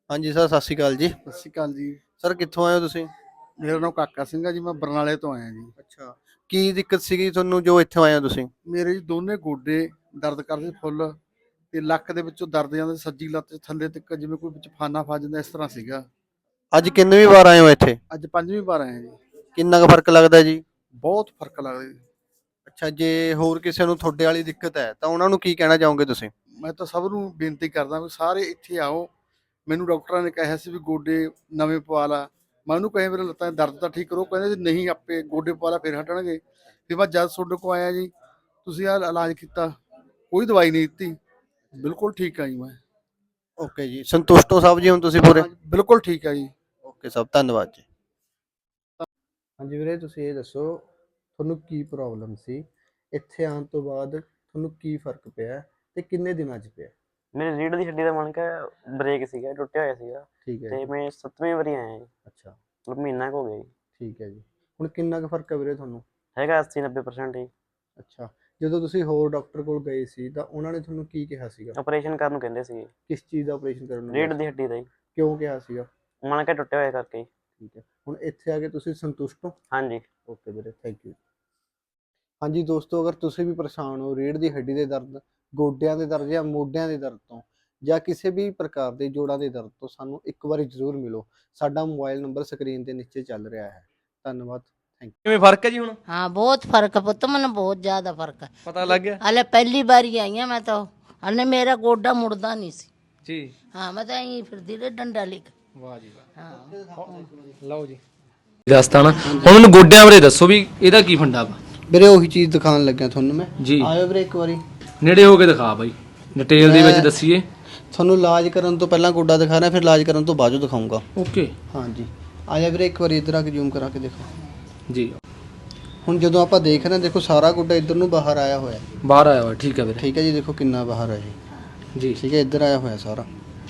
ਹਾਂਜੀ ਸਰ, ਸਤਿ ਸ਼੍ਰੀ ਅਕਾਲ ਜੀ। ਸਤਿ ਸ਼੍ਰੀ ਅਕਾਲ ਜੀ। ਸਰ ਕਿੱਥੋਂ ਆਏ ਹੋ ਤੁਸੀਂ? ਮੇਰਾ ਨਾਮ ਕਾਕਾ ਸਿੰਘ ਆ ਜੀ, ਮੈਂ ਬਰਨਾਲੇ ਤੋਂ ਆਇਆ ਜੀ। ਅੱਛਾ। ਕੀ ਦਿੱਕਤ ਸੀਗੀ ਤੁਹਾਨੂੰ ਜੋ ਇੱਥੋਂ ਆਏ ਹੋ ਤੁਸੀਂ? ਮੇਰੇ ਜੀ ਦੋਨੇ ਗੋਡੇ ਦਰਦ ਕਰਦੇ ਫੁੱਲ, ਤੇ ਲੱਕ ਦੇ ਵਿੱਚੋਂ ਦਰਦ ਜਾਂਦਾ, ਸੱਜੀ ਲੱਤ 'ਚ ਥੱਲੇ ਤੱਕ ਜਿਵੇਂ ਕੋਈ ਵਿੱਚ ਫਾਨਾ ਫਸ ਜਾਂਦਾ, ਇਸ ਤਰ੍ਹਾਂ ਸੀਗਾ। ਅੱਜ ਕਿੰਨਵੀਂ ਵਾਰ ਆਏ ਹੋ ਇੱਥੇ? ਅੱਜ ਪੰਜਵੀਂ ਵਾਰ ਆਇਆ ਜੀ। ਕਿੰਨਾ ਕੁ ਫਰਕ ਲੱਗਦਾ ਜੀ? ਬਹੁਤ ਫਰਕ ਲੱਗਦਾ ਜੀ। ਅੱਛਾ, ਜੇ ਹੋਰ ਕਿਸੇ ਨੂੰ ਤੁਹਾਡੇ ਵਾਲੀ ਦਿੱਕਤ ਹੈ ਤਾਂ ਉਹਨਾਂ ਨੂੰ ਕੀ ਕਹਿਣਾ ਚਾਹੋਗੇ ਤੁਸੀਂ? ਮੈਂ ਤਾਂ ਸਭ ਨੂੰ ਬੇਨਤੀ ਕਰਦਾ ਵੀ ਸਾਰੇ ਇੱਥੇ ਆਓ। ਮੈਨੂੰ ਡਾਕਟਰਾਂ ਨੇ ਕਿਹਾ ਸੀ ਵੀ ਗੋਡੇ ਨਵੇਂ ਪਵਾ ਲਾ। ਮੈਂ ਉਹਨੂੰ ਕਹੇ ਮੇਰੇ ਲੱਤਾਂ 'ਚ ਦਰਦ ਤਾਂ ਠੀਕ ਕਰੋ, ਕਹਿੰਦੇ ਜੀ ਨਹੀਂ ਆਪੇ ਗੋਡੇ ਪਵਾ ਲਾ ਫਿਰ ਹਟਣਗੇ। ਫਿਰ ਮੈਂ ਜਦ ਤੁਹਾਡੇ ਕੋਲ ਆਇਆ ਜੀ, ਤੁਸੀਂ ਆਹ ਇਲਾਜ ਕੀਤਾ, ਕੋਈ ਦਵਾਈ ਨਹੀਂ ਦਿੱਤੀ, ਬਿਲਕੁਲ ਠੀਕ ਆ ਜੀ ਮੈਂ। ਓਕੇ ਜੀ, ਸੰਤੁਸ਼ਟ ਹੋ ਸਾਹਿਬ ਜੀ ਹੁਣ ਤੁਸੀਂ ਪੂਰੇ? ਹਾਂ ਜੀ, ਬਿਲਕੁਲ ਠੀਕ ਆ ਜੀ। ਓਕੇ ਸਾਹਿਬ, ਧੰਨਵਾਦ ਜੀ। ਹਾਂਜੀ ਵੀਰੇ, ਤੁਸੀਂ ਇਹ ਦੱਸੋ ਤੁਹਾਨੂੰ ਕੀ ਪ੍ਰੋਬਲਮ ਸੀ? ਇੱਥੇ ਆਉਣ ਤੋਂ ਬਾਅਦ ਤੁਹਾਨੂੰ ਕੀ ਫਰਕ ਪਿਆ ਤੇ ਕਿੰਨੇ ਦਿਨਾਂ 'ਚ ਪਿਆ? ਮੇਰੇ ਰੀੜ੍ਹ ਦੀ ਹੱਡੀ ਦਾ ਮਣਕਾ ਬ੍ਰੇਕ ਸੀਗਾ, ਟੁੱਟਿਆ ਹੋਇਆ ਸੀਗਾ। ਠੀਕ ਹੈ ਤੇ ਜੀ। ਮੈਂ 7ਵੀਂ ਵਾਰੀ ਆਇਆ ਜੀ, ਅੱਛਾ, ਮਤਲਬ ਮਹੀਨਾ ਕੁ ਹੋ ਗਿਆ ਜੀ। ਠੀਕ ਹੈ ਜੀ। ਹੁਣ ਕਿੰਨਾ ਕੁ ਫਰਕ ਹੈ ਵੀਰੇ ਤੁਹਾਨੂੰ? ਹੈਗਾ 80-90% ਜੀ। ਅੱਛਾ, ਜਦੋਂ ਤੁਸੀਂ ਹੋਰ ਡਾਕਟਰ ਕੋਲ ਗਏ ਸੀ ਤਾਂ ਉਹਨਾਂ ਨੇ ਤੁਹਾਨੂੰ ਕੀ ਕਿਹਾ ਸੀਗਾ? ਆਪਰੇਸ਼ਨ ਕਰਨ ਨੂੰ ਕਹਿੰਦੇ ਸੀਗੇ, ਕਿਸ ਚੀਜ਼ ਦਾ ਆਪਰੇਸ਼ਨ ਕਰਨ ਨੂੰ ਰੀੜ੍ਹ ਕਿਹਾ ਦੀ ਸੀ? ਹੱਡੀ ਦਾ ਜੀ। ਕਿਉਂ ਕਿਹਾ ਸੀਗਾ? ਮਣਕਾ ਟੁੱਟਿਆ ਹੋਇਆ ਕਰਕੇ ਜੀ। ਠੀਕ ਹੈ, ਹੁਣ ਇੱਥੇ ਆ ਕੇ ਤੁਸੀਂ ਸੰਤੁਸ਼ਟ ਹੋ? ਹਾਂਜੀ। ਓਕੇ ਵੀਰੇ, ਥੈਂਕ ਯੂ। ਹਾਂਜੀ ਦੋਸਤੋ, ਅਗਰ ਤੁਸੀਂ ਵੀ ਪਰੇਸ਼ਾਨ ਹੋ ਰੀੜ੍ਹ ਦੀ ਹੱਡੀ ਦੇ ਦਰਦ, ਗੋਡਿਆਂ ਦੇ ਦਰਦ ਜਾਂ ਮੋਢਿਆਂ ਦੇ ਦਰਦ ਤੋਂ, ਜਾਂ ਕਿਸੇ ਵੀ ਪ੍ਰਕਾਰ ਦੇ ਜੋੜਾਂ ਦੇ ਦਰਦ ਤੋਂ, ਸਾਨੂੰ ਇੱਕ ਵਾਰੀ ਜ਼ਰੂਰ ਮਿਲੋ। ਸਾਡਾ ਮੋਬਾਈਲ ਨੰਬਰ ਸਕਰੀਨ ਦੇ ਨੀਚੇ ਚੱਲ ਰਿਹਾ ਹੈ। ਧੰਨਵਾਦ, ਥੈਂਕ ਯੂ। ਕਿਵੇਂ ਫਰਕ ਹੈ ਜੀ ਹੁਣ? हाँ बहुत फर्क है पुत्र, मैंने बहुत ज्यादा फर्क है। ਪਤਾ ਲੱਗ ਗਿਆ अले पहली बार ही आई मैं तो, अने मेरा गोडा मुड़दा नहीं सी। ਜੀ? हाँ मैं तो यहीं फिरती रही डंडा लेकर। ਵਾਹ ਜੀ ਵਾਹ, हाँ ਲਓ ਜੀ। ਦੱਸਤਾ ਨਾ, ਹੁਣ ਮੈਨੂੰ ਗੋਡਿਆਂ ਬਾਰੇ ਦੱਸੋ ਵੀ ਇਹਦਾ ਕੀ ਫੰਡਾ ਵਾ? ਵੀਰੇ ਉਹੀ ਚੀਜ਼ ਦਿਖਾਉਣ ਲੱਗਿਆ ਤੁਹਾਨੂੰ ਮੈਂ। ਜੀ। ਆਇਓ ਵੀਰੇ ਇੱਕ ਵਾਰੀ। ਨੇੜੇ ਹੋ ਕੇ ਦਿਖਾ ਬਾਈ, ਡਿਟੇਲ ਦੇ ਵਿੱਚ ਦੱਸੀਏ। ਤੁਹਾਨੂੰ ਇਲਾਜ ਕਰਨ ਤੋਂ ਪਹਿਲਾਂ ਗੋਡਾ ਦਿਖਾ ਰਿਹਾ, ਫਿਰ ਇਲਾਜ ਕਰਨ ਤੋਂ ਬਾਅਦ ਦਿਖਾਊਂਗਾ। ਓਕੇ ਹਾਂਜੀ, ਆ ਜਾ ਵੀਰੇ ਇੱਕ ਵਾਰੀ ਇੱਧਰ ਆ ਕੇ ਜ਼ੂਮ ਕਰਾ ਕੇ ਦੇਖੋ। ਜੀ। ਹੁਣ ਜਦੋਂ ਆਪਾਂ ਦੇਖ ਰਹੇ ਹਾਂ, ਦੇਖੋ ਸਾਰਾ ਗੋਡਾ ਇੱਧਰ ਨੂੰ ਬਾਹਰ ਆਇਆ ਹੋਇਆ ਹੈ। ਬਾਹਰ ਆਇਆ ਵਾ, ਠੀਕ ਹੈ ਵੀਰੇ। ਠੀਕ ਹੈ ਜੀ, ਦੇਖੋ ਕਿੰਨਾ ਬਾਹਰ ਹੈ ਜੀ। ਜੀ। ਠੀਕ ਹੈ, ਇੱਧਰ ਆਇਆ ਹੋਇਆ ਸਾਰਾ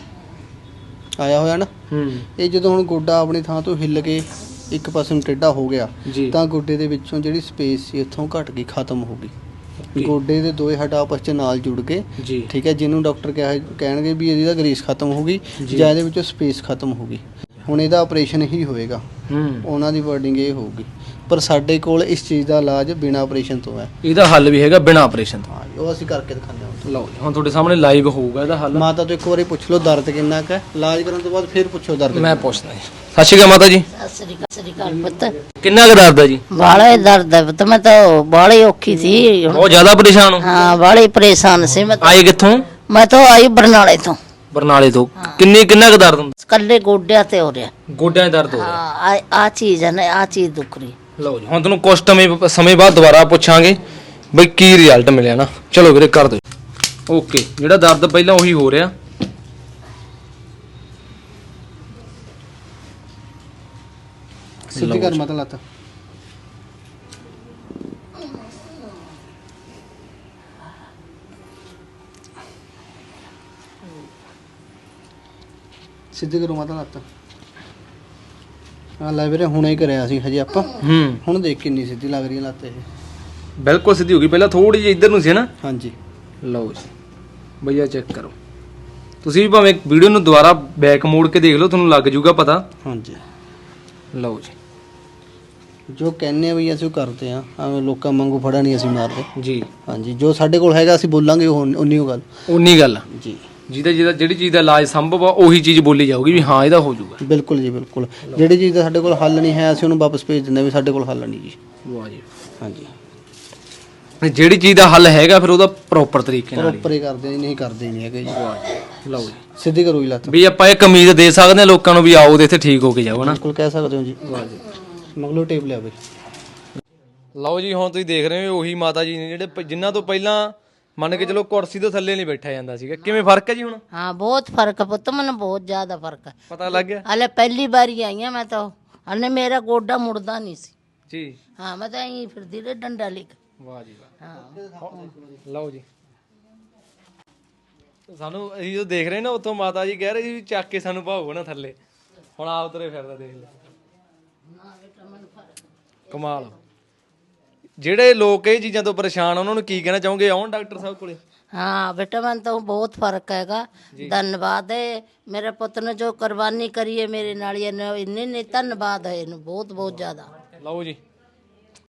ਆਇਆ ਹੋਇਆ ਨਾ। ਹੂੰ। ਇਹ ਜਦੋਂ ਹੁਣ ਗੋਡਾ ਆਪਣੀ ਥਾਂ ਤੋਂ ਹਿੱਲ ਕੇ ਇੱਕ ਪਾਸੇ ਨੂੰ ਟੇਢਾ ਹੋ ਗਿਆ, ਜੀ। ਤਾਂ ਗੋਡੇ ਦੇ ਵਿੱਚੋਂ ਜਿਹੜੀ ਸਪੇਸ ਸੀ ਇੱਥੋਂ ਘਟ ਗਈ, ਖਤਮ ਹੋ ਗਈ। Okay. ਗੋਡੇ ਦੇ ਦੋਏ ਹੱਡ ਆਪਸ 'ਚ ਨਾਲ ਜੁੜ ਗਏ। ਜੀ। ਠੀਕ ਹੈ, ਜਿਹਨੂੰ ਡਾਕਟਰ ਕਹਿਣਗੇ ਵੀ ਇਹਦੀ ਤਾਂ ਗਰੀਸ ਖਤਮ ਹੋ ਗਈ ਜੀ। ਜਾਂ ਇਹਦੇ ਵਿੱਚੋਂ ਸਪੇਸ ਖਤਮ ਹੋ ਗਈ। ਹੁਣ ਇਹਦਾ ਆਪਰੇਸ਼ਨ ਹੀ ਹੋਏਗਾ, ਹੂੰ। ਉਹਨਾਂ ਦੀ ਵਰਡਿੰਗ ਇਹ ਹੋਊਗੀ। ਪਰ ਸਾਡੇ ਕੋਲ ਇਸ ਚੀਜ਼ ਦਾ ਇਲਾਜ ਬਿਨਾਂ ਆਪਰੇਸ਼ਨ ਤੋਂ ਹੈ। ਇਹਦਾ ਹੱਲ ਵੀ ਹੈਗਾ ਬਿਨਾਂ ਆਪਰੇਸ਼ਨ ਤੋਂ? ਹਾਂ, ਉਹ ਅਸੀਂ ਕਰਕੇ ਦਿਖਾਉਂਦੇ ਹਾਂ। ਲਓ ਜੀ, ਹੁਣ ਤੁਹਾਡੇ ਸਾਹਮਣੇ ਲਾਈਵ ਹੋਊਗਾ ਇਹਦਾ ਹੱਲ। ਮਾਤਾ ਤੋਂ ਇੱਕ ਵਾਰੀ ਪੁੱਛ ਲਓ ਦਰਦ ਕਿੰਨਾ ਕੁ ਹੈ, ਇਲਾਜ ਕਰਨ ਤੋਂ ਬਾਅਦ ਫਿਰ ਪੁੱਛੋ ਦਰਦ ਮੈਂ ਪੁੱਛਦਾ ਜੀ। ਸਤਿ ਸ਼੍ਰੀ ਅਕਾਲ ਮਾਤਾ ਜੀ। सत श्री अकाल पुत्र। ਕਿੰਨਾ ਕੁ ਦਰਦ ਹੈ ਜੀ? बाले दर्द है पुत्र, मैं तो बाली औखी थी। ਬਹੁਤ ਜ਼ਿਆਦਾ ਪਰੇਸ਼ਾਨ ਹੋ? हाँ बाली परेशान से मैं ਆਏ ਕਿੱਥੋਂ? मैं तो आई बरनाले तो। ਬਰਨਾਲੇ ਤੋਂ। ਕਿੰਨਾ ਕੁ ਦਰਦ ਹੁੰਦਾ? कल्ले गोड्या ते हो रहा। ਗੋਡਿਆਂ 'ਚ ਦਰਦ ਹੋ ਰਿਹਾ? हाँ आ चीज है ना, आ चीज दुख रही। ਲਓ ਜੀ, ਹੁਣ ਤੁਹਾਨੂੰ ਕੁਝ ਸਮੇਂ ਬਾਅਦ ਦੁਬਾਰਾ ਪੁੱਛਾਂਗੇ ਬਈ ਕੀ ਰਿਜ਼ਲਟ ਮਿਲਿਆ ਨਾ। ਚਲੋ ਵੀਰੇ ਕਰ ਦਿਓ। ਓਕੇ, ਜਿਹੜਾ ਦਰਦ ਪਹਿਲਾਂ ਉਹੀ ਹੋ ਰਿਹਾ। ਸਿੱਧੀ ਕਰ ਮਾਤਾ ਲੱਤ। ਸਿੱਧੀ ਕਰੋ ਮਾਤਾ ਲੱਤ। ਆ ਲੈ ਵੀਰੇ, ਹੁਣੇ ਹੀ ਕਰਿਆ ਸੀ ਹਜੇ ਆਪਾਂ। ਹੁਣ ਦੇਖ ਕਿੰਨੀ ਸਿੱਧੀ ਲੱਗ ਰਹੀ ਹੈ ਲੱਤ ਇਹ। ਬਿਲਕੁਲ ਸਿੱਧੀ ਹੋ ਗਈ, ਪਹਿਲਾਂ ਥੋੜੀ ਜਿਹੀ ਇੱਧਰ ਨੂੰ ਸੀ ਨਾ। ਹਾਂਜੀ। ਲਓ ਜੀ ਭਈਆ, ਚੈੱਕ ਕਰੋ। ਤੁਸੀਂ ਵੀ ਭਾਵੇਂ ਵੀਡੀਓ ਨੂੰ ਦੁਬਾਰਾ ਬੈਕ ਮੋੜ ਕੇ ਦੇਖ ਲਓ, ਤੁਹਾਨੂੰ ਲੱਗ ਜਾਊਗਾ ਪਤਾ। ਹਾਂਜੀ, ਲਓ ਜੀ। ਜੋ ਕਹਿੰਨੇ ਆ ਵੀ ਅਸੀਂ ਉਹ ਕਰਦੇ ਆ, ਐਵੇਂ ਲੋਕਾਂ ਵਾਂਗੂ ਫੜਾ ਨਹੀਂ ਅਸੀਂ ਮਾਰਦੇ। ਜੀ। ਹਾਂਜੀ, ਜੋ ਸਾਡੇ ਕੋਲ ਹੈਗਾ ਅਸੀਂ ਬੋਲਾਂਗੇ, ਉਹ ਉਨੀ ਓ ਗੱਲ। ਉਨੀ ਗੱਲ ਜੀ। ਜਿਹੜੀ ਚੀਜ਼ ਦਾ ਇਲਾਜ ਸੰਭਵ ਆ ਉਹੀ ਚੀਜ਼ ਬੋਲੀ ਜਾਊਗੀ ਵੀ ਹਾਂ ਇਹਦਾ ਹੋ ਜਾਊਗਾ। ਬਿਲਕੁਲ ਜੀ, ਬਿਲਕੁਲ। ਜਿਹੜੀ ਚੀਜ਼ ਦਾ ਸਾਡੇ ਕੋਲ ਹੱਲ ਨਹੀਂ ਹੈ, ਅਸੀਂ ਉਹਨੂੰ ਵਾਪਸ ਭੇਜ ਦਿੰਦੇ ਵੀ ਸਾਡੇ ਕੋਲ ਹੱਲ ਨਹੀਂ ਜੀ। ਵਾਹ ਜੀ। ਹਾਂਜੀ, ਜਿਹੜੀ ਚੀਜ਼ ਦਾ ਹੱਲ ਹੈਗਾ ਫਿਰ ਉਹਦਾ ਪ੍ਰੋਪਰ ਤਰੀਕੇ ਨਾਲ ਪ੍ਰੋਪਰ ਹੀ ਕਰਦੇ ਨਹੀਂ ਕਰਦੇ ਨਹੀਂ ਹੈਗੇ ਜੀ। ਲਓ ਜੀ, ਸਿੱਧੀ ਕਰੋ ਜੀ ਲੱਤ। ਵੀ ਆਪਾਂ ਇੱਕ ਉਮੀਦ ਦੇ ਸਕਦੇ ਹਾਂ ਲੋਕਾਂ ਨੂੰ ਵੀ ਆਓ ਤੇ ਇੱਥੇ ਠੀਕ ਹੋ ਕੇ ਜਾਓ ਨਾ। ਬਿਲਕੁਲ ਕਹਿ ਸਕਦੇ ਹੋ ਜੀ। ਮਗਲੋ ਟੇਪ ਲਿਆ ਬਈ। ਲਓ ਜੀ, ਹੁਣ ਤੁਸੀਂ ਦੇਖ ਰਹੇ ਹੋ ਉਹੀ ਮਾਤਾ ਜੀ ਨੇ ਜਿਹੜੇ ਜਿਨ੍ਹਾਂ ਤੋਂ ਪਹਿਲਾਂ ਮੰਨ ਕੇ ਚਲੋ ਕੁਰਸੀ ਤੋਂ ਥੱਲੇ ਨਹੀਂ ਬੈਠਾ ਜਾਂਦਾ ਸੀਗਾ। ਕਿਵੇਂ ਫਰਕ ਹੈ ਜੀ ਹੁਣ? हाँ बहुत फर्क है पुत्र, मैंने बहुत ज्यादा फर्क है। ਪਤਾ ਲੱਗ ਗਿਆ? अले पहली बार ही आई मैं तो, अने मेरा गोडा मुड़दा नहीं सी। ਜੀ। हाँ मैं तो यहीं फिरती रही डंडा लेकर। ਵਾਹ ਜੀ ਵਾਹ। हाँ ਲਓ ਜੀ, ਸਾਨੂੰ ਅਸੀਂ ਜੋ ਦੇਖ ਰਹੇ ਨਾ ਉੱਥੋਂ ਮਾਤਾ ਜੀ ਕਹਿ ਰਹੇ ਸੀ ਵੀ ਚੱਕ ਕੇ ਸਾਨੂੰ ਭਾਵੋ ਨਾ ਥੱਲੇ। ਹੁਣ ਆਪ ਤੁਰੇ ਫਿਰਦਾ ਦੇਖ ਲੈ, ਕਮਾਲ। ਜਿਹੜੇ ਲੋਕ ਇਹ ਚੀਜ਼ਾਂ ਤੋਂ ਪਰੇਸ਼ਾਨ ਆ ਉਹਨਾਂ ਨੂੰ ਕੀ ਕਹਿਣਾ ਚਾਹੋਗੇ? ਆਉਣ ਡਾਕਟਰ ਸਾਹਿਬ ਕੋਲੇ? हाँ बेटा मन तो बहुत फर्क हैगा। धन्यवाद है मेरे पुत्र ने जो कुर्बानी करी है मेरे नाल, इन्ने धन्यवाद है इन्हें बहुत बहुत ज्यादा। ਲਓ ਜੀ